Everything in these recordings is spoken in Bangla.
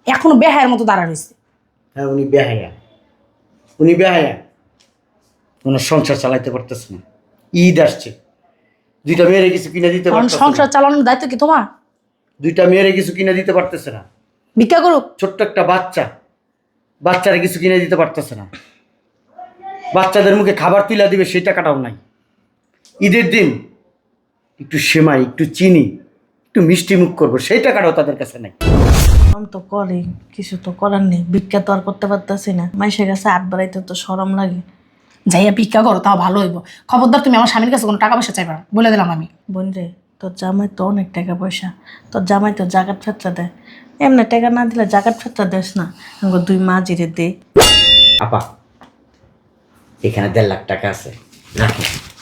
এখনো বেহায়ের মতো দাঁড়া রয়েছে। হ্যাঁ উনি বেহায়া, উনি বেহায়া। ওনার সংসার চালাইতে পারতেছে না। ঈদ আসছে, দুইটা মেয়েরে কিছু কিনে দিতে কারণ পারতেছে সংসার না। চালানোর দায়িত্ব কি তোমার? দুইটা মেয়েরে কিছু কিনে দিতে পারতেছে না। ভিক্ষা করুক। ছোট্ট একটা বাচ্চারা কিছু কিনে দিতে পারতেছে না। বাচ্চাদের মুখে খাবার তুলে দিবে সেই টাকাটাও নাই। ঈদের দিন একটু সেমাই, একটু চিনি, একটু মিষ্টি মুখ করবো সেই টাকাটাও তাদের কাছে নাই। আমি তো করি, কিছু তো করার নেই। ভিক্ষা তো আর করতে পারতেছি না। মাইসের কাছে হাত বাড়াইতে তো শরম লাগে। যাইয়া ভিক্ষা করো, তাও ভালো হইব। খবরদার তুমি আমার স্বামীর কাছে কোনো টাকা পয়সা চাইবা না, বলে দিলাম আমি। বোন রে, তোর জামাই তো অনেক টাকা পয়সা, তোর জামাই তো জাকাত ফেতরা দেয়। এমনি টাকা না দিলে জাকাত ফেতরা দেস না, আমাকে 2 মা জিরে দে। আপা এখানে 1.5 লাখ টাকা আছে, রাখি।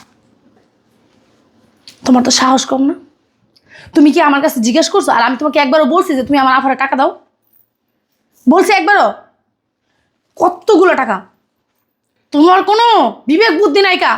তোমার তো সাহস কম না? তুমি কি আমার কাছে জিজ্ঞেস করছো? আর আমি তোমাকে একবারও বলছি যে তুমি আমার আফারে টাকা দাও? বলছি একবারও? কতগুলো টাকা! তোমার কোনো বিবেক বুদ্ধি নাই কা?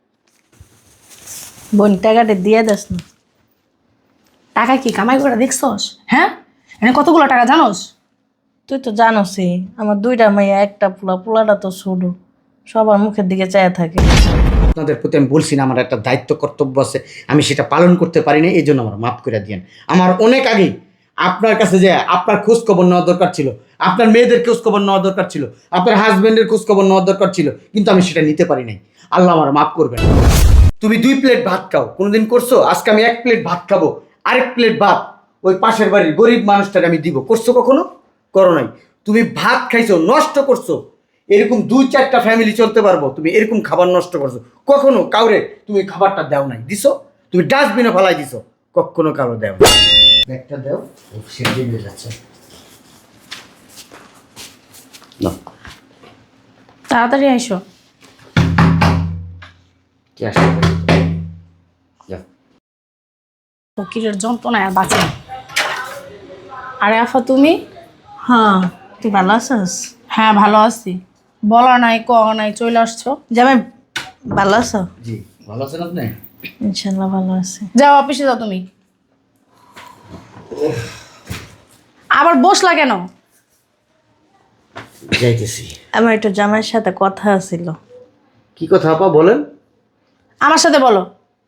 বোন টাকাটা দিয়ে দেস না। টাকা কি কামাই করে দেখছস? হ্যাঁ, এনে কতগুলো টাকা জানোস? তুই তো জানোসই আমার 2টা মাইয়া, একটা পোলাটা তো ছোট, সবার মুখের দিকে চায় থাকে। আপনাদের প্রতি আমি বলছি না আমার একটা দায়িত্ব কর্তব্য আছে, আমি সেটা পালন করতে পারি না, এই জন্য আমার মাফ করে দিয়েন। আমার অনেক আগে আপনার কাছে যে আপনার খোঁজ খবর নেওয়া দরকার ছিল, আপনার মেয়েদের খোঁজ খবর নেওয়া দরকার ছিল, আপনার হাজবেন্ডের খোঁজ খবর নেওয়া দরকার ছিল, কিন্তু আমি সেটা নিতে পারি নাই। আল্লাহ আমার মাফ করবেন। তুমি 2 প্লেট ভাত খাও, কোনোদিন করছো? আজকে আমি 1 প্লেট ভাত খাবো, আরেক প্লেট ভাত ওই পাশের বাড়ির গরিব মানুষটাকে আমি দিব, করছো কখনো? করো নাই। তুমি ভাত খাইছো, নষ্ট করছো। এরকম 2-4টা ফ্যামিলি চলতে পারবো, তুমি এরকম খাবার নষ্ট করছো? কখনো কাউরে তুমি খাবারটা দাও নাই, দিছো? তুমি ডাস্টবিনে ফেলাই দিছো, কখনো কারো দেও না। ব্যাগটা দাও, সে দিয়ে যাচ্ছে না। তাড়াতাড়ি আইসো। কি আসছে? যাও। ফকিরের যন্ত্রণায় আর বাঁচে না। আরে আফা তুমি? হ্যাঁ, তুই ভালো আছিস? হ্যাঁ ভালো আছি। বলা নাই ক নাই চলে আসছো। জামাই ভালো আছো? জি ভালো আছেন আপনি? ইনশাল্লাহ ভালো আছি। যাও অফিসে যাও তুমি। আবার বসলা কেন? যাইতেছি। আমার একটু জামাইয়ের সাথে কথা ছিল। কি কথা আপা বলেন? আমার সাথে বলো।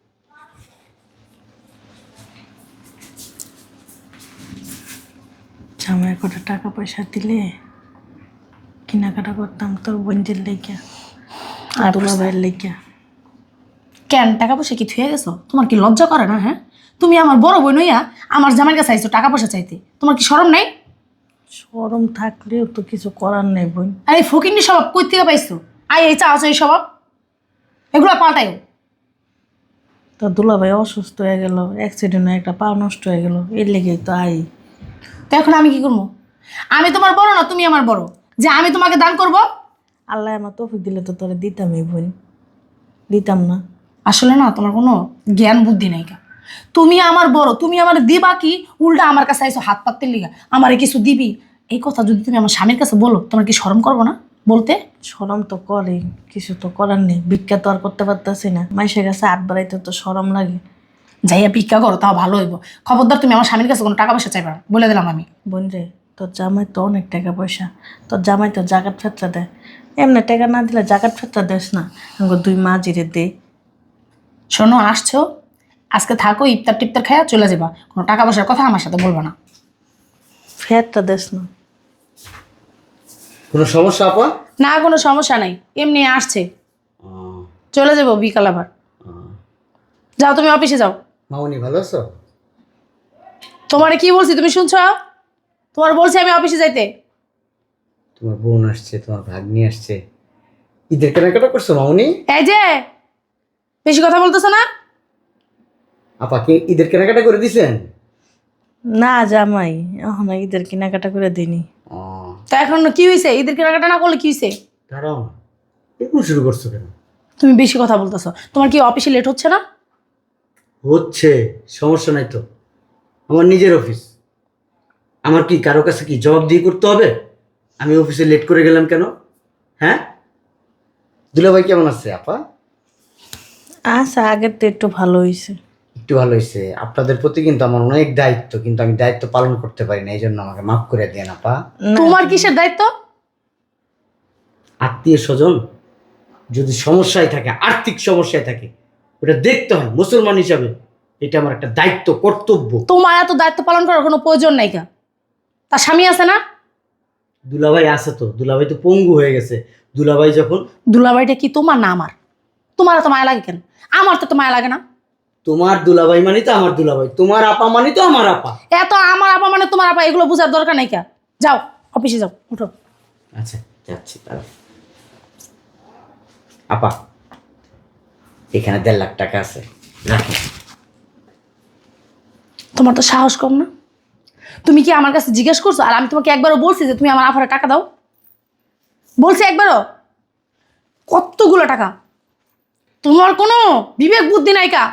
জামাইয়ের কটা টাকা পয়সা দিলে কেনাকাটা করতাম তোর বোনদের লেগা আর দুলাভাইয়ের লেগা। কেন টাকা পয়সা কি থুয়ে গেছো? তোমার কি লজ্জা করে না? হ্যাঁ, তুমি আমার বড় বোন হইয়া আমার জামাইয়ের কাছে আইছো টাকা পয়সা চাইতে, তোমার কি শরম নাই? শরম থাকলেও তো কিছু করার নেই বোন। আর এই ফকিন্নি স্বভাব কই থেকে পাইছো? এই চাওয়াছো এই স্বভাব, এগুলো পাল্টাইও। তোর দুলাভাই অসুস্থ হয়ে গেল, অ্যাক্সিডেন্টে একটা পা নষ্ট হয়ে গেল, এর লেগেই তো আই। তো এখন আমি কি করবো? আমি তোমার বড় না তুমি আমার বড় যে আমি তোমাকে দান করব? আল্লাহ আমার তৌফিক দিলে তো তোরা দিতামই বোন, দিতাম না? আসলে না তোমার কোনো জ্ঞান বুদ্ধি নাই কা। তুমি আমার বড়, তুমি আমার দিবা কি? উল্টা আমার কাছে আইসো হাত পাততে লিগা আমারে কিছু দিবি। এই কথা যদি তুমি আমার স্বামীর কাছে বলো, তোমার কি শরম করবো না বলতে? শরম তো করে, কিছু তো করার নেই। ভিক্ষা তো আর করতে পারতেছি না, মাইসের কাছে হাত বাড়াইতে তো শরম লাগে। যাইয়া ভিক্ষা করো, তাও ভালো হইব। খবরদার তুমি আমার স্বামীর কাছে কোনো টাকা পয়সা চাইবা না, বলে দিলাম আমি। বোন রে, তোর জামাই তো অনেক টাকা পয়সা, তোর জামাই তো জাকাত ফেতরা দেয়। এমনি টাকা না দিলে জাকাত ফেতরা দেস না, আমাকে 2 মা জিরে দে। শোনো, আসছো আজকে থাকো, ইফতার টিফতার খাইয়া চলে যাবা, কোনো টাকা পয়সার কথা আমার সাথে বলবা না। ফেরটা দেস না। কোনো সমস্যা আপা? না কোনো সমস্যা নাই, এমনি আসছে, চলে যাবো বিকাল আবার। যাও তুমি অফিসে যাও। মামনি ভালো আছো? তোমারে কি বলছি তুমি শুনছো? তোমার বলছি আমি অফিসে যাইতে। তোমার বোন আসছে, তোমার ভাগ্নি আসছে, ঈদের কেনাকাটা করছো মামনি? এই যে বেশি কথা বলতেছো না? আপা কি ঈদের কেনাকাটা করে দিছেন? না জামাই, এখন ঈদের কেনাকাটা করে দিনি। তো এখন কি হয়েছে? ঈদের কেনাকাটা না করলে কি হয়েছে? দাঁড়াও না, এরকম শুরু করছো কেন? তুমি বেশি কথা বলতেছো। তোমার কি অফিসে লেট হচ্ছে না? হচ্ছে, সমস্যা নাই তো, আমার নিজের অফিস। আমার কি কারো কাছে কি জবাব দিয়ে করতে হবে আমি অফিসে লেট করে গেলাম কেন? হ্যাঁ, দুলাভাই কেমন আছে আপা? আচ্ছা, আগের তো একটু ভালো হয়েছে। একটু একটু ভালো হয়েছে। আপনাদের প্রতি কিন্তু আমার অনেক দায়িত্ব, কিন্তু আমি দায়িত্ব পালন করতে পারি না, এই জন্য আমাকে মাফ করে দেন আপা। না, তোমার কিসের দায়িত্ব? আত্মীয় স্বজন যদি সমস্যায় থাকে, আর্থিক সমস্যায় থাকে, ওটা দেখতে হয় মুসলমান হিসাবে। এটা আমার একটা দায়িত্ব, কর্তব্য। তোমার এত দায়িত্ব পালন করার কোনো প্রয়োজন নাই কা? তার স্বামী আছে না? দুলাভাই আছে তো, দুলাভাই তো পঙ্গু হয়ে গেছে। দুলাভাই যখন দুলাভাইটা কি তোমার না আমার? তোমার এত মায়া লাগে কেন? আমার তো মায়া লাগে না। তোমার দুলাভাই মানে তো আমার দুলাভাই, তোমার আপা মানে তো আমার আপা। এত আমার আপা মানে তোমার আপা, এগুলো বোঝার দরকার নাই কা? যাও অফিসে যাও, উঠো। আচ্ছা যাচ্ছি তাহলে। আপা এখানে 1.5 লাখ টাকা আছে, রাখি। তোমার তো সাহস কম না? তুমি কি আমার কাছে জিজ্ঞেস করছো? আর আমি তোমাকে একবারও বলছি যে তুমি আমার আফারে টাকা দাও? বলছি একবারও? কতগুলো টাকা! তোমার কোনো বিবেক বুদ্ধি নাই কা?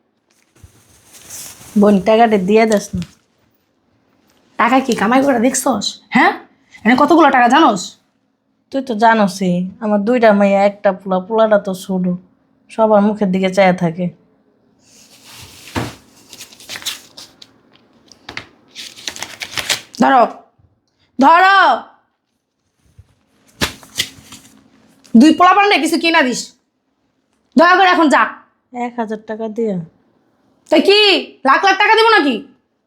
বোন টাকাটা দিয়ে দেস না। টাকা কি কামাই করে দেখছস? হ্যাঁ, এখানে কতগুলো টাকা জানোস? তুই তো জানোসই আমার 2টা মেয়ে, একটা পোলা, পোলাটা তো ছোট, সবার মুখের দিকে চায়া থাকে। ধরো, ধরো। 2 পোলা পান্ডে কিছু কিনা দিস, দয়া করে এখন যা। 1000 টাকা দিয়ে তাই কি লাখ লাখ টাকা দেবো নাকি?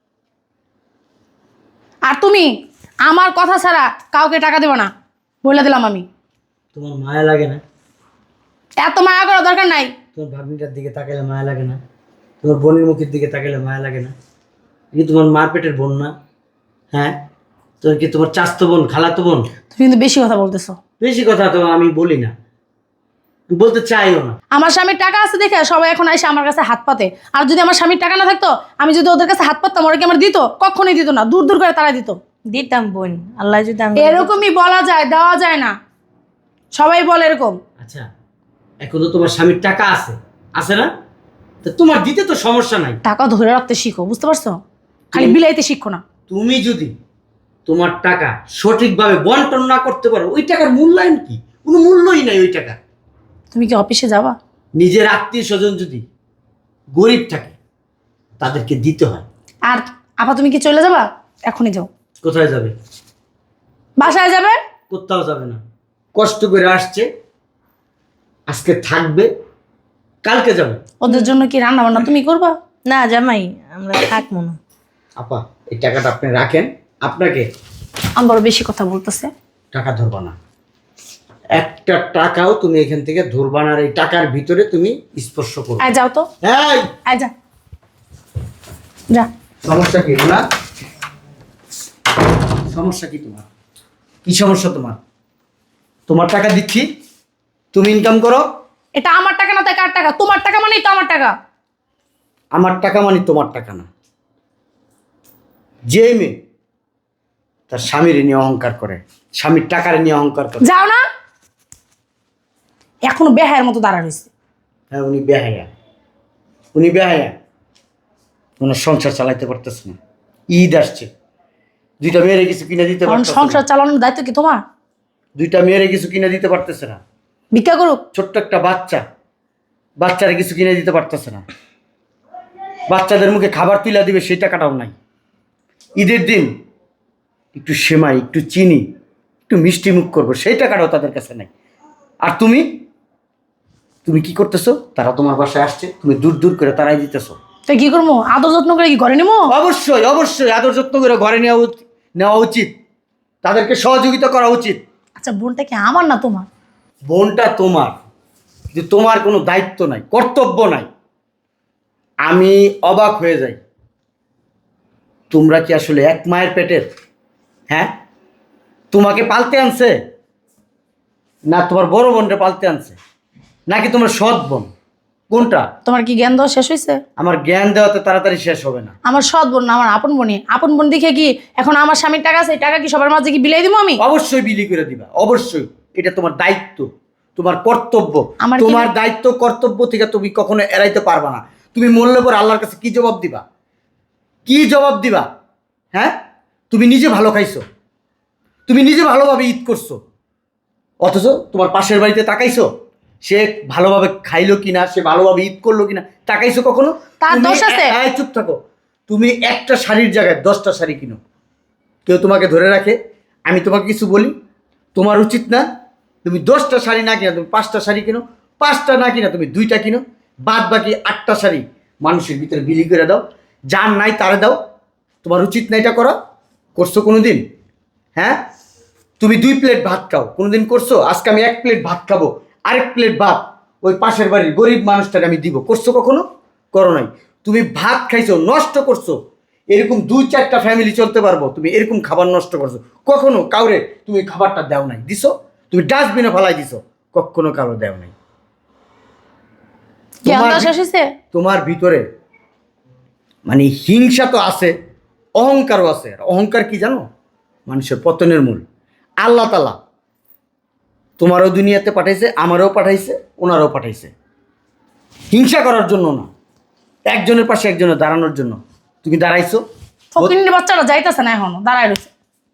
আর তুমি আমার কথা ছাড়া কাউকে টাকা দেবো না, বলে দিলাম আমি। তোমার মায়া লাগে না? এত মায়া করার দরকার নাই। তোমার ভাগ্নিটার দিকে তাকাইলে মায়া লাগে না? তোমার বোনের মুখের দিকে তাকাইলে মায়া লাগে না? কি তোমার মার পেটের বোন না? হ্যাঁ, তোর কি তোমার চাস্তো বোন, খালাতো বোন? তুমি কিন্তু বেশি কথা বলতেছো। বেশি কথা তো আমি বলি না, বলতে চাইও না। আমার স্বামীর টাকা আছে দেখে সবাই এখন এসে আমার কাছে হাত পাতে। আর যদি আমার স্বামীর টাকা না থাকতো, আমি যদি ওদের কাছে হাত পাততাম, ওরা কি আমার দিত? কখনোই দিত না, দূর দূর করে তারা দিত। দিতাম বোন, আল্লাহ যদি আমি এরকমই বলা যায়, দেওয়া যায় না। সবাই বলে এরকম। আচ্ছা, এখন তো তোমার স্বামীর টাকা আছে, আছে না? তো তোমার দিতে তো সমস্যা নাই। টাকা ধরে রাখতে শিখো, বুঝতে পারছো? খালি বিলাইতে শিখো না। তুমি যদি তোমার টাকা সঠিকভাবে বন্টন না করতে পারো, ওই টাকার মূল্যায়ন কি? কোনো মূল্যই নাই ওই টাকা। তুমি কি অফিসে যাবা? নিজের আত্মীয় স্বজন যদি গরিব থাকে, তাদেরকে দিতে হয়। আর আপা তুমি কি চলে যাবা? এখনই যাও। কোথায় যাবে? বাসায় যাবে? কোথাও যাবে না। কষ্ট করে আসছে, আজকে থাকবে, কালকে যাবে। ওদের জন্য কি রান্না বান্না তুমি করবা? না জামাই, আমরা থাকবো না। আপা এই টাকাটা আপনি রাখেন। আপনাকে আমি বড় বেশি কথা বলতেছে। টাকা ধরবা না, একটা টাকাও তুমি এখান থেকে ধরবা না। আর এই টাকার ভিতরে তুমি স্পর্শ করবে। আয় যাও তো, এই আয় যা, যা। সমস্যা কি না? সমস্যা কি তোমার? কি সমস্যা তোমার? তোমার টাকা দিচ্ছি, তুমি ইনকাম করো। এটা আমার টাকা না, তাই কার টাকা? তোমার টাকা মানেই তো আমার টাকা। আমার টাকা মানে তোমার টাকা না। যে মেয়ে তার স্বামীর নিয়ে অহংকার করে, স্বামীর টাকার নিয়ে অহংকার করে। যাও না, এখনো বেহায়ের মতো দাঁড়া রয়েছে। হ্যাঁ, উনি বেহায়া, উনি বেহায়া। ওনার সংসার চালাইতে পারতেছে না। ঈদ আসছে, 2টা মেয়েরে কিছু কিনে দিতে কারণ পারতেছে সংসার না। চালানোর দায়িত্ব কি তোমার? 2টা মেয়েরে কিছু কিনে দিতে পারতেছে না। ভিক্ষা করুক। ছোট্ট একটা বাচ্চারা কিছু কিনে দিতে পারতেছে না। বাচ্চাদের মুখে খাবার তুলে দিবে, সেই টাকাটাও নাই। ঈদের দিন একটু সেমাই, একটু চিনি, একটু মিষ্টি মুখ করবো, সেই টাকাটাও তাদের কাছে নাই। আর তুমি তুমি কি করতেছো? তারা তোমার বাসায় আসছে, তুমি দূর দূর করে তারাই দিতেছো। তাই কি করবো? আদর যত্ন করে কি ঘরে নেবো? অবশ্যই অবশ্যই আদর যত্ন করে ঘরে নেওয়া উচিত, তাদেরকে সহযোগিতা করা উচিত। আচ্ছা, বোনটা কি আমার না তোমার? বোনটা তোমার, কিন্তু তোমার কোনো দায়িত্ব নাই, কর্তব্য নাই। আমি অবাক হয়ে যাই, তোমরা কি আসলে এক মায়ের পেটের? হ্যাঁ, তোমাকে পালতে আনছে না তোমার বড় বোনটা পালতে আনছে, নাকি তোমার সৎ বোন? কোনটা? তোমার কি জ্ঞান দেওয়া শেষ হয়েছে? আমার জ্ঞান দেওয়াতে তাড়াতাড়ি শেষ হবে না। আমার সৎ বোন না, আমার আপন বোনই। আপন বোন দেখে কি এখন আমার স্বামীর টাকা আছে, এই টাকা কি সবার মাঝে কি বিলাই দিব আমি? অবশ্যই বিলি করে দিবা, অবশ্যই। এটা তোমার দায়িত্ব, তোমার কর্তব্য। আমার কি তোমার দায়িত্ব কর্তব্য থেকে তুমি কখনো এড়াইতে পারবা না। তুমি মরলে পর আল্লাহর কাছে কি জবাব দিবা? কি জবাব দিবা? হ্যাঁ, তুমি নিজে ভালো খাইছো, তুমি নিজে ভালোভাবে ঈদ করছো, অথচ তোমার পাশের বাড়িতে তাকাইছো? সে ভালোভাবে খাইলো কিনা, সে ভালোভাবে ঈদ করলো কিনা তাকাইছো কখনো? তার তুমি দোষ আছে? চুপ থাকো। তুমি একটা শাড়ির জায়গায় 10টা শাড়ি কিনো, কেউ তোমাকে ধরে রাখে? আমি তোমাকে কিছু বলি? তোমার উচিত না? তুমি 10টা শাড়ি না কিনা তুমি 5টা শাড়ি কিনো, 5টা না কিনা তুমি 2টা কিনো, বাদ বাকি 8টা শাড়ি মানুষের ভিতরে বিলি করে দাও, যার নাই তারে দাও। তোমার উচিত না এটা করা? করছো কোনো দিন? হ্যাঁ, তুমি 2 প্লেট ভাত খাও, কোনোদিন করছো? আজকে আমি 1 প্লেট ভাত খাবো, আরেক প্লেট ভাত ওই পাশের বাড়ির গরিব মানুষটাকে আমি দিব, করছো কখনো? করো নাই। তুমি ভাত খাইছো, নষ্ট করছো। এরকম 2-4টা ফ্যামিলি চলতে পারবো, তুমি এরকম খাবার নষ্ট করছো? কখনো কাউরে তুমি খাবারটা দেও নাই? দিছো? তুমি ডাস্টবিনে ফেলাই দিছো, কখনো কারো দেও নাই। জ্ঞান তোমার দেওয়া শেষ হয়েছে? তোমার ভিতরে মানে হিংসা তো আছে, অহংকারও আছে। আর অহংকার কি জানো? মানুষের পতনের মূল। আল্লাহ তাআলা তোমারও দুনিয়াতে পাঠাইছে, আমারও পাঠাইছে, ওনারও পাঠাইছে হিংসা করার জন্য না, একজনের পাশে একজনের দাঁড়ানোর জন্য। তুমি দাঁড়াইছো। ফকিন্নির বাচ্চাটা যাইতেছে না এখনো, দাঁড়ায় রয়েছে।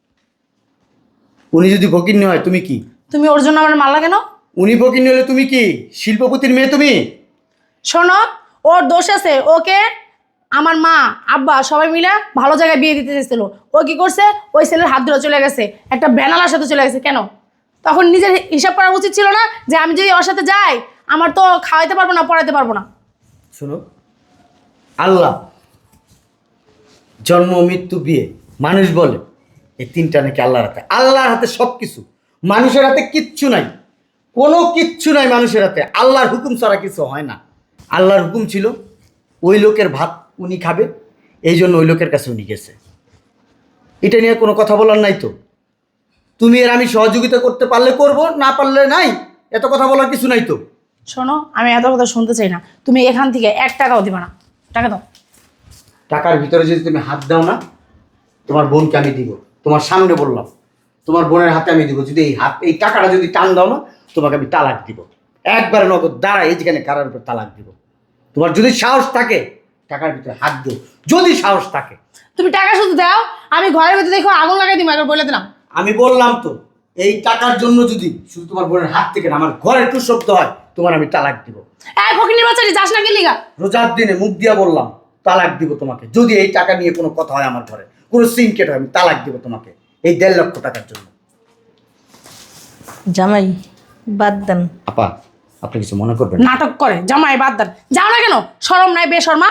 উনি যদি ফকিন্নি হয় তুমি কি? তুমি ওর জন্য আমার মারলা কেন? উনি ফকিন্নি হলে তুমি কি? শিল্পপতির মেয়ে তুমি? শোনো, ওর দোষ আছে। ওকে আমার মা আব্বা সবাই মিলে ভালো জায়গায় বিয়ে দিতে চেয়েছিল। ও কি করছে? ওই ছেলের হাত ধরে চলে গেছে, একটা ব্যানালার সাথে চলে গেছে। কেন? তখন নিজের হিসাব করা উচিত ছিল না যে আমি যদি ওর সাথে যাই আমার তো খাওয়াইতে পারবো না, পড়াইতে পারবো না। শোনো, আল্লাহ, জন্ম, মৃত্যু, বিয়ে, মানুষ বলে এই 3টা নাকি আল্লাহর হাতে। আল্লাহর হাতে সব কিছু, মানুষের হাতে কিচ্ছু নাই। কোনো কিচ্ছু নাই মানুষের হাতে। আল্লাহর হুকুম ছাড়া কিছু হয় না। আল্লাহর হুকুম ছিল ওই লোকের ভাত উনি খাবে, এই জন্য ওই লোকের কাছে উনি গেছে। এটা নিয়ে কোনো কথা বলার নাই তো। তুমি আর আমি সহযোগিতা করতে পারলে করব, না পারলে নাই। এত কথা বলার কিছু নাই তো। শোনো, আমি এত কথা শুনতে চাই না। তুমি এখান থেকে 1 টাকাও দিবা না। টাকা দাও। টাকার ভিতরে যদি তুমি হাত দাও না, তোমার বোনকে আমি দিব। তোমার সামনে বললাম, তোমার বোনের হাতে আমি দিব। যদি এই টাকাটা যদি টান দাও না, তোমাকে আমি তালাক দিব। একবারে নগদ দাঁড়ায় এই যেখানে কারার উপর তালাক দিব। তোমার যদি সাহস থাকে টাকার ভিতরে হাত দিও, যদি সাহস থাকে। তুমি টাকা শুধু দাও, আমি ঘরের ভিতরে দেখো আগুন লাগাই দিব, একবার বলে দিলাম। আমি বললাম তো, এই টাকার জন্য যদি শুধু তোমার বোনের হাত থেকে না আমার ঘরে একটু শব্দ হয়, তোমার আমি তালাক দিব। এই ফকিন্নির বাচ্চাটি যাস না গেলি গা। রোজার দিনে মুখ দিয়া বললাম তালাক দিব তোমাকে। যদি এই টাকা নিয়ে কোনো কথা হয় আমার ঘরে, কোনো সিনকেট হয়, আমি তালাক দিব তোমাকে এই 1.5 লক্ষ টাকার জন্য। জামাই বাদ দেন। আপা, আপনি কিছু মনে করবেন না। নাটক করে জামাই বাদ দেন। যাও না কেন? শরম নাই বেশরমা?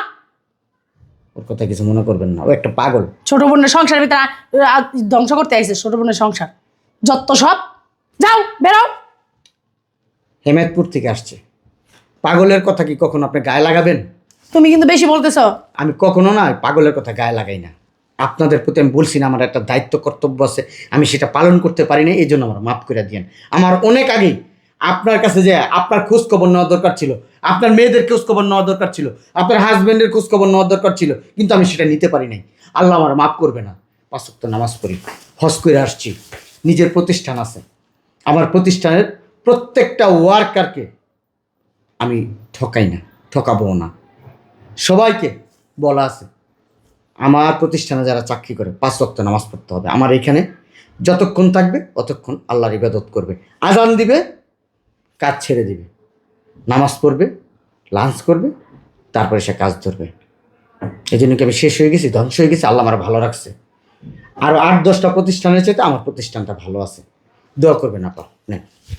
ওর কথা কিছু মনে করবেন না, ও একটা পাগল। ছোট বোনের সংসারের ভিতরে ধ্বংস করতে আইছে। ছোট বোনের সংসার যত সব। যাও, বেরো। হেমায়তপুর থেকে আসছে। পাগলের কথা কি কখনো আপনি গায়ে লাগাবেন? তুমি কিন্তু বেশি বলতেছো। আমি কখনো না পাগলের কথা গায়ে লাগাই না। আপনাদের প্রতি আমি বলছি না, আমার একটা দায়িত্ব কর্তব্য আছে, আমি সেটা পালন করতে পারি না, এই জন্য আমার মাফ করে দিয়েন। আমার অনেক আগেই আপনার কাছে যে আপনার খোঁজ খবর নেওয়া দরকার ছিল, আপনার মেয়েদের খোঁজ খবর নেওয়া দরকার ছিল, আপনার হাজব্যান্ডের খোঁজ খবর নেওয়া দরকার ছিল, কিন্তু আমি সেটা নিতে পারি নাই। আল্লাহ আমার মাফ করবে না। 5 ওয়াক্ত নামাজ পড়ি, হজ করে আসছি, নিজের প্রতিষ্ঠান আছে। আমার প্রতিষ্ঠানের প্রত্যেকটা ওয়ার্কারকে আমি ঠকাই না, ঠকাবো না। সবাইকে বলা আছে আমার প্রতিষ্ঠানে যারা চাকরি করে 5 ওয়াক্ত নামাজ পড়তে হবে। আমার এখানে যতক্ষণ থাকবে অতক্ষণ আল্লাহর ইবাদত করবে। আজান দিবে, কাজ ছেড়ে দিবে, নামাজ পড়বে, লাঞ্চ করবে, তারপরে সে কাজ ধরবে। এই জন্য কি আমি শেষ হয়ে গেছি, ধ্বংস হয়ে গেছি? আল্লাহ আমার ভালো রাখছে। আরও 8-10টা প্রতিষ্ঠানের চাইতে আমার প্রতিষ্ঠানটা ভালো আছে। দোয়া করবেন আপা। নেন।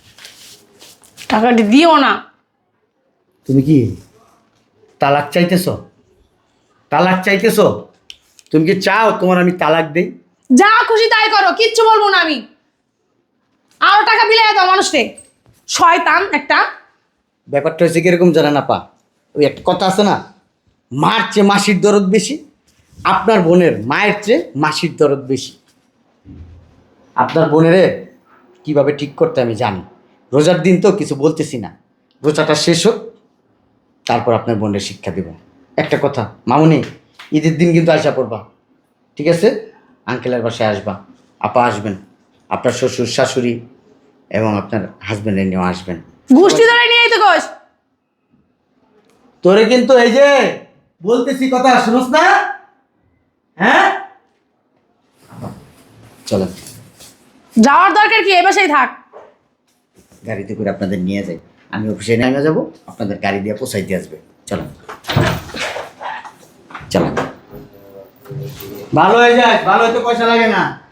টাকাটি দিও না। তুমি কি তালাক চাইতেছ? তালাক চাইতেছ? তুমি কি চাও তোমার আমি তালাক দেই? যা খুশি তাই করো, কিচ্ছু বলবো না আমি। আরো টাকা বিলাই দাও মানুষকে। শয়তান একটা। ব্যাপারটা হচ্ছে কিরকম জানেন আপা? ওই একটা কথা আছে না, মার চেয়ে মাসির দরদ বেশি। আপনার বোনের মায়ের চেয়ে মাসির দরদ বেশি। আপনার বোনের কিভাবে ঠিক করতে আমি জানি। রোজার দিন তো কিছু বলতেছি না, রোজাটা শেষ হোক, তারপর আপনার বোনের শিক্ষা দেব। একটা কথা মামুনি, ঈদের দিন কিন্তু আসা পড়বা, ঠিক আছে? আঙ্কেলের বাসায় আসবা, আপা আসবেন, আপনার শ্বশুর শাশুড়ি এবং আপনার হাজব্যান্ডের নিয়েও আসবেন। গোষ্ঠী ধরে নিয়ে আইতে কস। তোরে কিন্তু এই যে বলতেছি কথা শুনোস না? হ্যাঁ, চলেন যাওয়ার দরকার কি? এ বাসায় থাক। গাড়িতে করে আপনাদের নিয়ে যাই। আমি অফিসে নেমে যাবো, আপনাদের গাড়ি দিয়ে পৌঁছাইতে আসবে। চলো চলো, ভালো হয়ে যায়, ভালো হইতে পয়সা লাগে না।